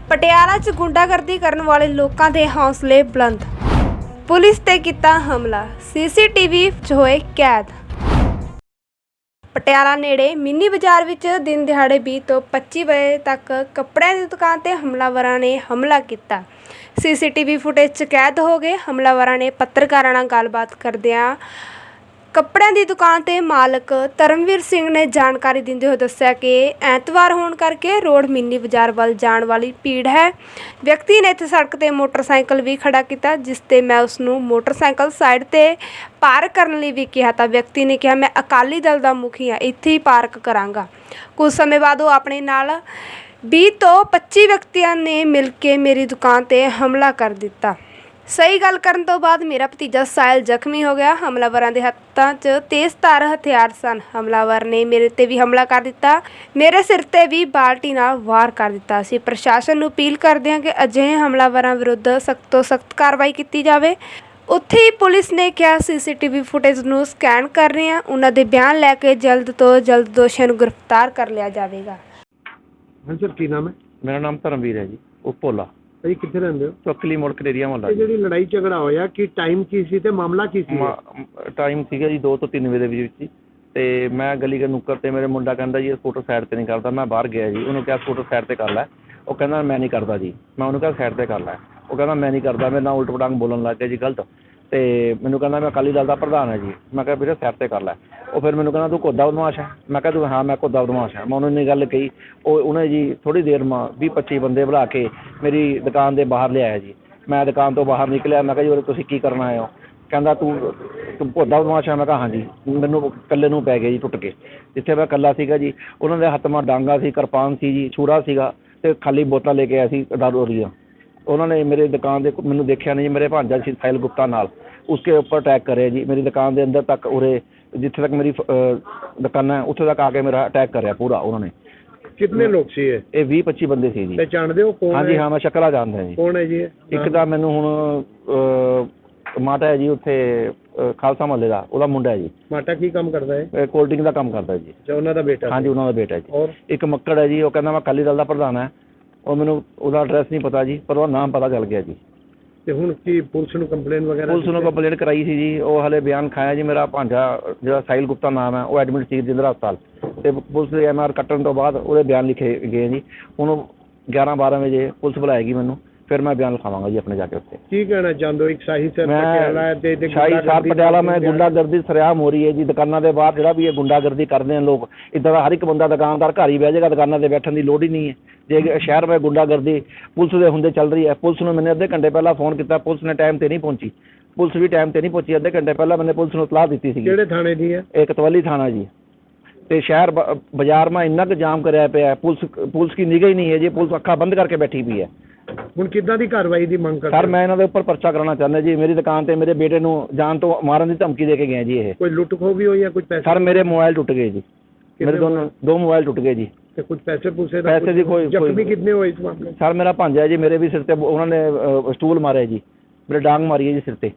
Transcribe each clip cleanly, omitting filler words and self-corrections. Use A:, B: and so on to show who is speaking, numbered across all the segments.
A: ਪਟਿਆਲਾ 'ਚ ਗੁੰਡਾਗਰਦੀ ਕਰਨ ਵਾਲੇ ਲੋਕਾਂ ਦੇ ਹੌਸਲੇ ਬੁਲੰਦ। ਪੁਲਿਸ ਤੇ ਕੀਤਾ ਹਮਲਾ, ਸੀਸੀਟੀਵੀ 'ਚ ਹੋਏ ਕੈਦ। ਪਟਿਆਲਾ ਨੇੜੇ ਮਿੰਨੀ ਬਾਜ਼ਾਰ ਵਿੱਚ ਦਿਨ ਦਿਹਾੜੇ 20 ਤੋਂ 25 ਵਜੇ ਤੱਕ ਕੱਪੜਿਆਂ ਦੀ ਦੁਕਾਨ ਤੇ ਹਮਲਾਵਰਾਂ ਨੇ ਹਮਲਾ ਕੀਤਾ। ਸੀਸੀਟੀਵੀ ਫੁਟੇਜ 'ਚ ਕੈਦ ਹੋ ਗਏ ਹਮਲਾਵਰਾਂ ਨੇ ਪੱਤਰਕਾਰਾਂ ਨਾਲ ਗੱਲਬਾਤ ਕਰਦਿਆਂ ਕੱਪੜਿਆਂ ਦੀ ਦੁਕਾਨ ਦੇ ਮਾਲਕ ਧਰਮਵੀਰ ਸਿੰਘ ਨੇ ਜਾਣਕਾਰੀ ਦਿੰਦੇ ਹੋਏ ਦੱਸਿਆ ਕਿ ਐਤਵਾਰ ਹੋਣ ਕਰਕੇ ਰੋਡ ਮਿੰਨੀ ਬਾਜ਼ਾਰ ਵੱਲ ਜਾਣ ਵਾਲੀ ਭੀੜ ਹੈ। ਵਿਅਕਤੀ ਨੇ ਇੱਥੇ ਸੜਕ ਤੇ ਮੋਟਰਸਾਈਕਲ ਵੀ ਖੜਾ ਕੀਤਾ, ਜਿਸ ਤੇ ਮੈਂ ਉਸ ਨੂੰ ਮੋਟਰਸਾਈਕਲ ਸਾਈਡ ਤੇ ਪਾਰਕ ਕਰਨ ਲਈ ਵੀ ਕਿਹਾ ਤਾਂ ਵਿਅਕਤੀ ਨੇ ਕਿਹਾ ਮੈਂ ਅਕਾਲੀ ਦਲ ਦਾ ਮੁਖੀ ਹਾਂ, ਇੱਥੇ ਹੀ ਪਾਰਕ ਕਰਾਂਗਾ। ਕੁਝ ਸਮੇਂ ਬਾਅਦ ਉਹ ਆਪਣੇ ਨਾਲ 20 ਤੋਂ 25 ਵਿਅਕਤੀਆਂ ਨੇ ਮਿਲ ਕੇ ਮੇਰੀ ਦੁਕਾਨ ਤੇ ਹਮਲਾ ਕਰ ਦਿੱਤਾ। ਸਹੀ ਗੱਲ ਕਰਨ ਤੋਂ ਬਾਅਦ ਮੇਰਾ ਭਤੀਜਾ ਸਾਹਿਲ ਜ਼ਖਮੀ ਹੋ ਗਿਆ। ਹਮਲਾਵਰਾਂ ਦੇ ਹੱਥਾਂ 'ਚ ਤੇਜ਼ਧਾਰ ਹਥਿਆਰ ਸਨ। ਹਮਲਾਵਰ ਨੇ ਮੇਰੇ ਤੇ ਵੀ ਹਮਲਾ ਕਰ ਦਿੱਤਾ, ਮੇਰੇ ਸਿਰ ਤੇ ਵੀ ਬਾਲਟੀ ਨਾਲ ਵਾਰ ਕਰ ਦਿੱਤਾ। ਅਸੀਂ ਪ੍ਰਸ਼ਾਸਨ ਨੂੰ ਅਪੀਲ ਕਰਦੇ ਹਾਂ ਕਿ ਅਜਿਹੇ ਹਮਲਾਵਰਾਂ ਵਿਰੁੱਧ ਸਖਤ ਤੋਂ ਸਖਤ ਕਾਰਵਾਈ ਕੀਤੀ ਜਾਵੇ। ਉੱਥੇ ਹੀ ਪੁਲਿਸ ਨੇ ਕਿਹਾ ਸੀਸੀਟੀਵੀ ਫੁਟੇਜ ਨੂੰ ਸਕੈਨ ਕਰ ਰਹੇ ਹਾਂ, ਉਹਨਾਂ ਦੇ ਬਿਆਨ ਲੈ ਕੇ ਜਲਦ ਤੋਂ ਜਲਦ ਦੋਸ਼ੀਆਂ ਨੂੰ ਗ੍ਰਿਫਤਾਰ ਕਰ ਲਿਆ ਜਾਵੇਗਾ।
B: ਹਾਂ ਸਰ, ਕੀ ਨਾਮ ਹੈ?
C: ਮੇਰਾ ਨਾਮ ਧਰਮਵੀਰ ਹੈ ਜੀ, ਉਪੋਲਾ।
B: ਭਾਈ ਕਿੱਥੇ ਰਹਿੰਦੇ ਹੋ?
C: ਚੌਕਲੀ ਮੋੜ ਕਨੇਰੀਆ ਮੁਹੱਲਾ।
B: ਇਹ ਜਿਹੜੀ ਲੜਾਈ ਝਗੜਾ ਹੋਇਆ ਕੀ ਟਾਈਮ ਕੀ ਸੀ ਤੇ ਮਾਮਲਾ ਕੀ ਸੀ?
C: ਟਾਈਮ ਸੀਗਾ ਜੀ 2 ਤੋਂ 3 ਵਜੇ ਦੇ ਵਿੱਚ ਜੀ। ਤੇ ਮੈਂ ਗਲੀ ਦੇ ਨੁੱਕਰ ਤੇ ਮੇਰੇ ਮੁੰਡਾ ਕਹਿੰਦਾ ਜੀ ਸਕੂਟਰ ਸਾਈਡ ਤੇ ਨਹੀਂ ਕਰਦਾ। ਮੈਂ ਬਾਹਰ ਗਿਆ ਜੀ, ਉਹਨੂੰ ਕਿਹਾ ਸਕੂਟਰ ਸਾਈਡ ਤੇ ਕਰ ਲੈ। ਉਹ ਕਹਿੰਦਾ ਮੈਂ ਨਹੀਂ ਕਰਦਾ ਜੀ। ਮੈਂ ਉਹਨੂੰ ਕਿਹਾ ਸਾਈਡ ਤੇ ਕਰ ਲੈ। ਉਹ ਕਹਿੰਦਾ ਮੈਂ ਨਹੀਂ ਕਰਦਾ। ਮੇਰੇ ਨਾਲ ਉਲਟ ਪਟਾਂਗ ਬੋਲਣ ਲੱਗ ਗਿਆ ਜੀ, ਗਲਤ। ਤੇ ਮੈਨੂੰ ਕਹਿੰਦਾ ਮੈਂ ਅਕਾਲੀ ਦਲ ਦਾ ਪ੍ਰਧਾਨ ਹੈ ਜੀ। ਮੈਂ ਕਿਹਾ ਵੀਰੇ ਸਾਈਡ ਤੇ ਕਰ ਲੈ। ਉਹ ਫਿਰ ਮੈਨੂੰ ਕਹਿੰਦਾ ਤੂੰ ਘੋਦਾ ਬਦਮਾਸ਼ ਹੈ। ਮੈਂ ਕਿਹਾ ਤੂੰ ਹਾਂ ਮੈਂ ਘੋਦਾ ਬਦਮਾਸ਼ ਹੈ। ਮੈਂ ਉਹਨੂੰ ਇੰਨੀ ਗੱਲ ਕਹੀ। ਉਹਨੇ ਜੀ ਥੋੜ੍ਹੀ ਦੇਰ ਮਾ 20-25 ਬੰਦੇ ਬੁਲਾ ਕੇ ਮੇਰੀ ਦੁਕਾਨ ਦੇ ਬਾਹਰ ਲਿਆਇਆ ਜੀ। ਮੈਂ ਦੁਕਾਨ ਤੋਂ ਬਾਹਰ ਨਿਕਲਿਆ। ਮੈਂ ਕਿਹਾ ਜੀ ਉਰੇ ਤੁਸੀਂ ਕੀ ਕਰਨ ਆਏ ਹੋ? ਕਹਿੰਦਾ ਤੂੰ ਘੋਦਾ ਬਦਮਾਸ਼ ਹੈ। ਮੈਂ ਕਿਹਾ ਹਾਂਜੀ। ਮੈਨੂੰ ਇਕੱਲੇ ਨੂੰ ਪੈ ਗਿਆ ਜੀ ਟੁੱਟ ਕੇ। ਜਿੱਥੇ ਮੈਂ ਇਕੱਲਾ ਸੀਗਾ ਜੀ, ਉਹਨਾਂ ਦੇ ਹੱਥ ਮਾ ਡਾਂਗਾ ਸੀ, ਕਿਰਪਾਨ ਸੀ ਜੀ, ਛੁਰਾ ਸੀਗਾ ਅਤੇ ਖਾਲੀ ਬੋਤਲਾਂ ਲੈ ਕੇ ਆਇਆ ਸੀ ਦਾਰੂ ਦੀਆਂ। ਉਹਨਾਂ ਨੇ ਮੇਰੇ ਦੁਕਾਨ ਦੇ ਮੈਨੂੰ ਦੇਖਿਆ ਨਹੀਂ ਜੀ। ਮੇਰੇ ਭਾਂਜਾ ਸੀ ਸਾਹਿਲ ਗੁਪਤਾ ਨਾਲ, ਉਸਕੇ ਉੱਪਰ ਅਟੈਕ ਕਰਿਆ ਜੀ। ਮੇਰੀ ਦੁਕਾਨ ਦੇ ਅੰਦਰ ਤੱਕ ਉਰੇ ਜਿੱਥੇ ਤੱਕ ਮੇਰੀ ਦੁਕਾਨ ਹੈ ਉੱਥੇ ਤੱਕ ਆ ਕੇ ਮੇਰਾ ਅਟੈਕ ਕਰਿਆ ਪੂਰਾ ਉਹਨਾਂ ਨੇ।
B: ਕਿੰਨੇ ਲੋਕ ਸੀ ਇਹ?
C: 20-25 ਬੰਦੇ ਸੀ ਜੀ।
B: ਪਹਿਚਾਣਦੇ ਹੋ ਕੌਣ?
C: ਹਾਂਜੀ ਹਾਂ, ਮੈਂ ਸ਼ਕਲਾ ਜਾਣਦਾ ਜੀ।
B: ਕੌਣ ਹੈ ਜੀ ਇਹ?
C: ਇੱਕ ਤਾਂ ਮੈਨੂੰ ਹੁਣ ਮਾਤਾ ਹੈ ਜੀ ਉੱਥੇ ਖਾਲਸਾ ਮਹੱਲੇ ਦਾ, ਉਹਦਾ ਮੁੰਡਾ ਹੈ ਜੀ।
B: ਮਾਟਾ ਕੀ ਕੰਮ ਕਰਦਾ ਹੈ?
C: ਕੋਲਡ ਡਰਿੰਕ ਦਾ ਕੰਮ ਕਰਦਾ ਜੀ।
B: ਅੱਛਾ, ਉਹਨਾਂ ਦਾ ਬੇਟਾ?
C: ਹਾਂਜੀ, ਉਹਨਾਂ ਦਾ ਬੇਟਾ ਹੈ ਜੀ।
B: ਔਰ
C: ਇੱਕ ਮੱਕੜ ਹੈ ਜੀ, ਉਹ ਕਹਿੰਦਾ ਮੈਂ ਅਕਾਲੀ ਦਲ ਦਾ ਪ੍ਰਧਾਨ ਹੈ। ਉਹ ਮੈਨੂੰ ਉਹਦਾ ਐਡਰੈਸ ਨਹੀਂ ਪਤਾ ਜੀ, ਪਰ ਉਹਦਾ ਨਾਮ ਪਤਾ ਚੱਲ ਗਿਆ ਜੀ।
B: ਤੇ ਹੁਣ ਕੀ ਪੁਲਿਸ ਨੂੰ ਕੰਪਲੇਨ ਵਗੈਰਾ?
C: ਪੁਲਿਸ ਨੂੰ ਕੰਪਲੇਂਟ ਕਰਾਈ ਸੀ ਜੀ। ਉਹ ਹਲੇ ਬਿਆਨ ਖਾਇਆ ਜੀ। ਮੇਰਾ ਭਾਂਜਾ ਜਿਹੜਾ ਸਾਹਿਲ ਗੁਪਤਾ ਨਾਮ ਹੈ, ਉਹ ਐਡਮਿਟ ਸੀ ਰਜਿੰਦਰਾ ਹਸਪਤਾਲ। ਅਤੇ ਪੁਲਿਸ ਦੇ MR ਕੱਟਣ ਤੋਂ ਬਾਅਦ ਉਹਦੇ ਬਿਆਨ ਲਿਖੇ ਗਏ ਜੀ। ਹੁਣ 11-12 ਵਜੇ ਪੁਲਿਸ ਬੁਲਾਏਗੀ ਮੈਨੂੰ, ਫਿਰ ਮੈਂ ਬਿਆਨ ਲਿਖਾਵਾਂਗਾ ਜੀ ਆਪਣੇ ਜਾ ਕੇ ਉੱਥੇ।
B: ਕੀ ਕਹਿਣਾ ਚਾਹੁੰਦੇ ਹੋ? ਇੱਕ ਸ਼ਾਹੀ ਸਾਹਿਬ ਪਟਿਆਲਾ ਤੇ
C: ਸ਼ਾਹੀ ਸਾਹਿਬ ਪਟਿਆਲਾ ਮੈਂ ਗੁੰਡਾਗਰਦੀ ਸਰਿਆਮ ਹੋ ਰਹੀ ਹੈ ਜੀ। ਦੁਕਾਨਾਂ ਦੇ ਬਾਹਰ ਜਿਹੜਾ ਵੀ ਇਹ ਗੁੰਡਾਗਰਦੀ ਕਰਦੇ ਨੇ ਲੋਕ, ਇੱਦਾਂ ਦਾ ਹਰ ਇੱਕ ਬੰਦਾ ਦੁਕਾਨਦਾਰ ਘਰ ਹੀ ਬਹਿ ਜਾਏਗਾ, ਦੁਕਾਨਾਂ 'ਤੇ ਬੈਠਣ ਦੀ ਲੋੜ ਹੀ ਨਹੀਂ ਹੈ। ਜੇ ਸ਼ਹਿਰ ਵਿੱਚ ਗੁੰਡਾਗਰਦੀ ਪੁਲਿਸ ਦੇ ਹੁੰਦੇ ਚੱਲ ਰਹੀ ਹੈ। ਪੁਲਿਸ ਨੂੰ ਮੈंने ਅੱਧੇ ਘੰਟੇ ਪਹਿਲਾਂ ਫੋਨ ਕੀਤਾ, ਪੁਲਿਸ ਨੇ ਟਾਈਮ 'ਤੇ ਨਹੀਂ ਪਹੁੰਚੀ। ਪੁਲਿਸ ਵੀ ਟਾਈਮ 'ਤੇ ਨਹੀਂ ਪਹੁੰਚੀ। ਅੱਧੇ ਘੰਟੇ ਪਹਿਲਾਂ ਮੈंने ਪੁਲਿਸ ਨੂੰ ਇਤਲਾਹ ਦਿੱਤੀ ਸੀ।
B: ਕਿਹੜੇ ਥਾਣੇ ਦੀ ਹੈ?
C: ਇਹ ਕਤਵਾਲੀ ਥਾਣਾ ਜੀ। ਅਤੇ ਸ਼ਹਿਰ ਬਾਜ਼ਾਰ ਮਾ ਇੰਨਾ ਕੁ ਜਾਮ ਕਰਿਆ ਪਿਆ, ਪੁਲਿਸ ਕੀ ਨਿਗਾਹ ਹੀ ਨਹੀਂ ਹੈ ਜੀ। ਪੁਲਿਸ ਅੱਖਾਂ ਬੰਦ ਕਰਕੇ ਬੈਠੀ ਪਈ ਹੈ।
B: ਹੁਣ ਕਿੱਦਾਂ ਦੀ ਕਾਰਵਾਈ ਦੀ ਮੰਗ ਕਰਦੇ?
C: ਸਰ ਮੈਂ ਇਹਨਾਂ ਦੇ ਉੱਪਰ ਪਰਚਾ ਕਰਾਉਣਾ ਚਾਹੁੰਦਾ ਜੀ। ਮੇਰੀ ਦੁਕਾਨ ਤੇ ਮੇਰੇ ਬੇਟੇ ਨੂੰ ਜਾਨ ਤੋਂ ਮਾਰਨ ਦੀ ਧਮਕੀ ਦੇ ਕੇ ਗਏ ਜੀ ਇਹ।
B: ਕੋਈ ਲੁੱਟ ਖੋਹ ਵੀ ਹੋਈ ਹੈ? ਕੁਝ ਪੈਸੇ?
C: ਸਰ ਮੇਰੇ ਮੋਬਾਈਲ ਟੁੱਟ ਗਏ ਜੀ। ਮੇਰੇ ਦੋ ਮੋਬਾਈਲ ਟੁੱਟ ਗਏ ਜੀ।
B: ਤੇ ਕੁਝ ਪੈਸੇ ਪੂਸੇ ਦਾ?
C: ਪੈਸੇ ਦੀ ਕੋਈ
B: ਜ਼ਖਮੀ ਕਿੰਨੇ ਹੋਏ ਇਸ ਮਾਮਲੇ?
C: ਸਰ ਮੇਰਾ ਭਾਂਜਾ ਹੈ ਜੀ, ਮੇਰੇ ਵੀ ਸਿਰ ਤੇ ਉਹਨਾਂ ਨੇ ਸਟੂਲ ਮਾਰਿਆ ਜੀ, ਮੇਰੇ ਡਾਂਗ ਮਾਰੀ ਹੈ ਜੀ ਸਿਰ ਤੇ।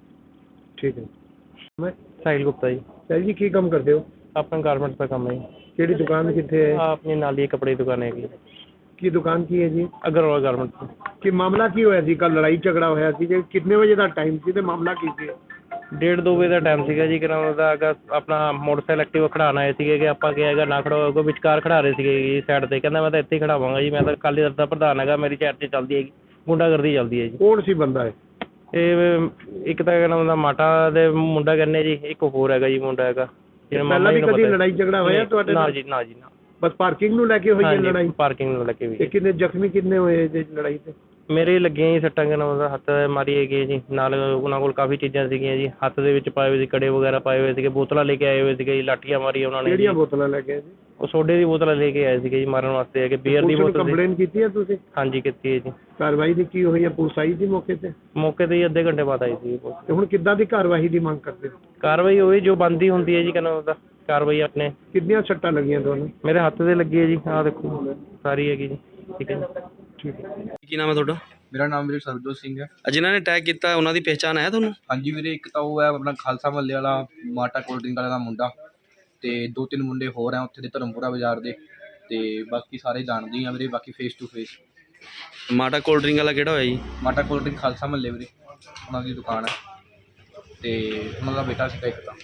B: ਠੀਕ ਹੈ। ਮੈਂ
D: ਸਾਹਿਲ ਗੁਪਤਾ ਜੀ।
B: ਸਾਹਿਲ ਜੀ ਕੀ ਕੰਮ ਕਰਦੇ ਹੋ?
D: ਆਪਣਾ ਗਾਰਮੈਂਟ ਦਾ ਕੰਮ ਹੈ ਜੀ।
B: ਕਿਹੜੀ ਦੁਕਾਨ ਕਿੱਥੇ ਹੈ?
D: ਆਪਣੀ ਨਾਲ ਹੀ ਕੱਪੜੇ ਦੀ ਦੁਕਾਨ ਹੈਗੀ।
B: ਕੀ ਦੁਕਾਨ ਕੀ ਹੈ ਜੀ?
D: ਅਗਰਵਾਲ ਗਾਰਮੈਂਟ।
B: ਕੀ ਮਾਮਲਾ ਕੀ ਹੋਇਆ ਸੀ ਕੱਲ? ਲੜਾਈ ਝਗੜਾ ਹੋਇਆ ਸੀ ਜੀ? ਕਿੰਨੇ ਵਜੇ ਦਾ ਟਾਈਮ ਸੀ ਤੇ ਮਾਮਲਾ ਕੀ ਸੀ?
D: 1:30-2 ਵਜੇ ਦਾ ਟਾਈਮ ਸੀਗਾ ਜੀ। ਕਿਹਨਾਂ ਉਹਦਾ ਅਗਾ ਆਪਣਾ ਮੋਟਰਸਾਈਕਲ ਐਕਟਿਵਾ ਖੜਾਉਣ ਆਏ ਸੀਗੇ ਕਿ ਆਪਾਂ ਕਿਹਾ ਹੈਗਾ ਨਾ ਖੜਾਓ, ਵਿਚਕਾਰ ਖੜਾ ਰਹੇ ਸੀਗੇ ਜੀ ਸਾਈਡ 'ਤੇ। ਕਹਿੰਦਾ ਮੈਂ ਤਾਂ ਇੱਥੇ ਹੀ ਖੜਾਵਾਂਗਾ ਜੀ, ਮੈਂ ਤਾਂ ਅਕਾਲੀ ਦਲ ਦਾ ਪ੍ਰਧਾਨ ਹੈਗਾ, ਮੇਰੀ ਸਾਈਡ 'ਤੇ ਚੱਲਦੀ ਹੈਗੀ, ਗੁੰਡਾਗਰਦੀ ਚੱਲਦੀ ਹੈ ਜੀ।
B: ਕੌਣ ਸੀ ਬੰਦਾ ਇਹ?
D: ਇਹ ਇੱਕ ਤਾਂ ਕਹਿੰਦਾ ਉਹਦਾ ਮਾਟਾ ਦੇ ਮੁੰਡਾ ਕਹਿੰਦੇ ਜੀ, ਇੱਕ ਹੋਰ ਹੈਗਾ ਜੀ ਮੁੰਡਾ ਹੈਗਾ ਜਿਹੜਾ
B: ਪਹਿਲਾਂ ਵੀ ਕਦੀ ਲੜਾਈ ਝਗੜਾ ਹੋਇਆ ਤੁਹਾਡੇ
D: ਨਾਲ?
B: ਨਾਲ?
D: ਜੀ ਨਾ ਜੀ ਨਾ।
B: ਬਸ ਪਾਰਕਿੰਗ ਨੂੰ ਲੈ ਕੇ ਹੋਈ ਹੈ ਲੜਾਈ?
D: ਪਾਰਕਿੰਗ ਨੂੰ ਲੈ ਕੇ ਵੀ।
B: ਤੇ ਕਿੰਨੇ ਜ਼ਖਮੀ ਕਿੰਨੇ ਹੋਏ ਜੀ ਲੜਾਈ ਤੇ?
D: ਮੇਰੇ ਲੱਗੀਆਂ ਜੀ ਸੱਟਾਂ। ਕਿਨਾਂ ਉਹਦਾ ਹੱਥ ਮਾਰੀ ਹੈਗੀ ਜੀ। ਨਾਲ ਉਹਨਾਂ ਕੋਲ ਕਾਫੀ ਚੀਜ਼ਾਂ ਸੀਗੀਆਂ ਜੀ, ਹੱਥ ਦੇ ਵਿੱਚ ਪਾਏ ਹੋਏ ਸੀ, ਕੜੇ ਵਗੈਰਾ ਪਾਏ ਹੋਏ ਸੀਗੇ, ਬੋਤਲਾਂ ਲੈ ਕੇ ਆਏ ਹੋਏ ਸੀਗੇ ਜੀ, ਲਾਠੀਆਂ ਮਾਰੀਆਂ ਉਹਨਾਂ ਨੇ।
B: ਕਿਹੜੀਆਂ ਬੋਤਲਾਂ ਲੈ ਕੇ ਆਏ ਜੀ?
D: ਉਹ ਸੋਡੇ ਦੀ ਬੋਤਲਾਂ ਲੈ ਕੇ ਆਏ ਸੀਗੇ ਜੀ ਮਾਰਨ ਵਾਸਤੇ, ਹੈਗੇ ਬੀਅਰ ਦੀ ਬੋਤਲ।
B: ਕੰਪਲੇਨ ਕੀਤੀ ਹੈ ਤੁਸੀਂ?
D: ਹਾਂਜੀ ਕੀਤੀ ਹੈ ਜੀ।
B: ਕਾਰਵਾਈ ਦੀ ਕੀ ਹੋਈ ਹੈ? ਪੁਲਿਸ ਆਈ ਸੀ ਮੌਕੇ ਤੇ?
D: ਮੌਕੇ 'ਤੇ ਹੀ ਅੱਧੇ ਘੰਟੇ ਬਾਅਦ ਆਈ ਸੀ।
B: ਤੇ ਹੁਣ ਕਿੱਦਾਂ ਦੀ ਕਾਰਵਾਈ ਦੀ ਮੰਗ ਕਰਦੇ ਹੋ?
D: ਕਾਰਵਾਈ ਹੋਈ ਜੋ ਬਣਦੀ ਹੁੰਦੀ ਹੈ ਜੀ। ਕਹਿੰਦਾ ਉਹਦਾ ਕਾਰਵਾਈ ਆਪਣੇ।
B: ਕਿੰਨੀਆਂ ਸੱਟਾਂ ਲੱਗੀਆਂ ਤੁਹਾਨੂੰ?
D: ਮੇਰੇ ਹੱਥ 'ਤੇ ਲੱਗੀ ਹੈ ਜੀ, ਆਹ ਦੇਖੋ ਸਾਰੀ ਹੈਗੀ ਜੀ। ਠੀਕ ਹੈ ਜੀ।
B: ਠੀਕ ਹੈ।
E: ਕੀ ਨਾਮ ਹੈ ਤੁਹਾਡਾ?
F: ਮੇਰਾ ਨਾਮ ਵੀਰੇ ਸਰਬਜੋਤ ਸਿੰਘ ਹੈ।
E: ਜਿਨ੍ਹਾਂ ਨੇ ਅਟੈਕ ਕੀਤਾ ਉਹਨਾਂ ਦੀ ਪਹਿਚਾਣ ਹੈ ਤੁਹਾਨੂੰ?
F: ਹਾਂਜੀ ਵੀਰੇ, ਇੱਕ ਤਾਂ ਉਹ ਹੈ ਆਪਣਾ ਖਾਲਸਾ ਮਹੱਲੇ ਵਾਲਾ ਮਾਟਾ ਕੋਲਡ ਡਰਿੰਕ ਵਾਲੇ ਦਾ ਮੁੰਡਾ, ਅਤੇ 2-3 ਮੁੰਡੇ ਹੋਰ ਹੈ ਉੱਥੇ ਦੇ ਧਰਮਪੁਰਾ ਬਾਜ਼ਾਰ ਦੇ, ਅਤੇ ਬਾਕੀ ਸਾਰੇ ਜਾਣਦੇ ਹੀ ਆ ਵੀਰੇ। ਬਾਕੀ ਫੇਸ ਟੂ ਫੇਸ
E: ਮਾਟਾ ਕੋਲਡ ਡਰਿੰਕ ਵਾਲਾ ਕਿਹੜਾ ਹੋਇਆ ਜੀ?
F: ਮਾਟਾ ਕੋਲਡ ਡਰਿੰਕ ਖਾਲਸਾ ਮਹੱਲੇ ਵੀਰੇ, ਉਹਨਾਂ ਦੀ ਦੁਕਾਨ ਹੈ ਤੇ ਉਹਨਾਂ ਦਾ ਬੇਟਾ ਸੀਗਾ ਇੱਕ ਤਾਂ।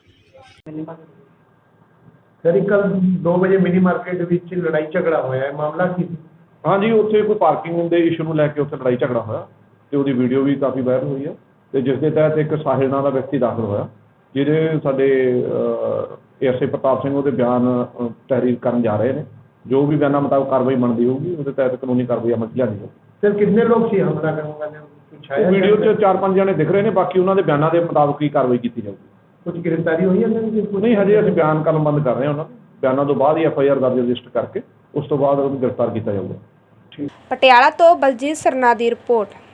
B: ਸਰ ਕੱਲ 2 ਵਜੇ ਮਿਨੀ ਮਾਰਕੀਟ ਵਿੱਚ ਲੜਾਈ ਝਗੜਾ ਹੋਇਆ ਹੈ, ਮਾਮਲਾ ਕੀ ਸੀ?
G: ਹਾਂਜੀ, ਉੱਥੇ ਕੋਈ ਪਾਰਕਿੰਗ ਦੇ ਇਸ਼ੂ ਨੂੰ ਲੈ ਕੇ ਉੱਥੇ ਲੜਾਈ ਝਗੜਾ ਹੋਇਆ ਤੇ ਉਹਦੀ ਵੀਡੀਓ ਵੀ ਕਾਫੀ ਵਾਇਰਲ ਹੋਈ ਹੈ ਤੇ ਜਿਸ ਦੇ ਤਹਿਤ ਇੱਕ ਸਾਹਿਲ ਨਾਂ ਦਾ ਵਿਅਕਤੀ ਦਾਖਲ ਹੋਇਆ, ਜਿਹਦੇ ਸਾਡੇ ਐਸਏ ਪ੍ਰਤਾਪ ਸਿੰਘ ਉਹਦੇ ਬਿਆਨ ਤਹਿਰੀਰ ਕਰਨ ਜਾ ਰਹੇ ਨੇ। ਜੋ ਵੀ ਬਿਆਨਾਂ ਮੁਤਾਬਕ ਕਾਰਵਾਈ ਬਣਦੀ ਹੋਊਗੀ ਉਹਦੇ ਤਹਿਤ ਕਾਨੂੰਨੀ ਕਾਰਵਾਈ ਅਮਲ 'ਚ ਲਿਆਂਦੀ ਜਾਊਗੀ।
B: ਸਰ ਕਿੰਨੇ ਲੋਕ ਸੀ ਹਮਲਾ ਕਰਨ ਵਾਲੇ? ਕੁਛ ਆਇਆ
G: ਵੀਡੀਓ 'ਚ 4-5 ਜਣੇ ਦਿਖ ਰਹੇ ਨੇ, ਬਾਕੀ ਉਹਨਾਂ ਦੇ ਬਿਆਨਾਂ ਦੇ ਮੁਤਾਬਕ ਹੀ ਕਾਰਵਾਈ ਕੀਤੀ ਜਾਊਗੀ।
B: ਕੁਝ ਗ੍ਰਿਫਤਾਰੀ ਹੋਈ ਹੈ?
G: ਨਹੀਂ, ਹਜੇ ਅਸੀਂ ਬਿਆਨ ਕਲਮਬੰਦ ਕਰ ਰਹੇ ਹਾਂ ਉਹਨਾਂ ਦੇ ਬਿਆਨਾਂ ਤੋਂ ਬਾਅਦ ਹੀ FIR ਦਰਜ ਰਜਿਸਟਰ ਕਰਕੇ ਉਸ ਤੋਂ ਬਾਅਦ ਉਹਨੂੰ ਗ੍ਰਿਫਤਾਰ ਕੀਤਾ ਜਾਊਗਾ।
A: ਪਟਿਆਲਾ ਤੋਂ ਬਲਜੀਤ ਸਰਨਾ ਦੀ ਰਿਪੋਰਟ।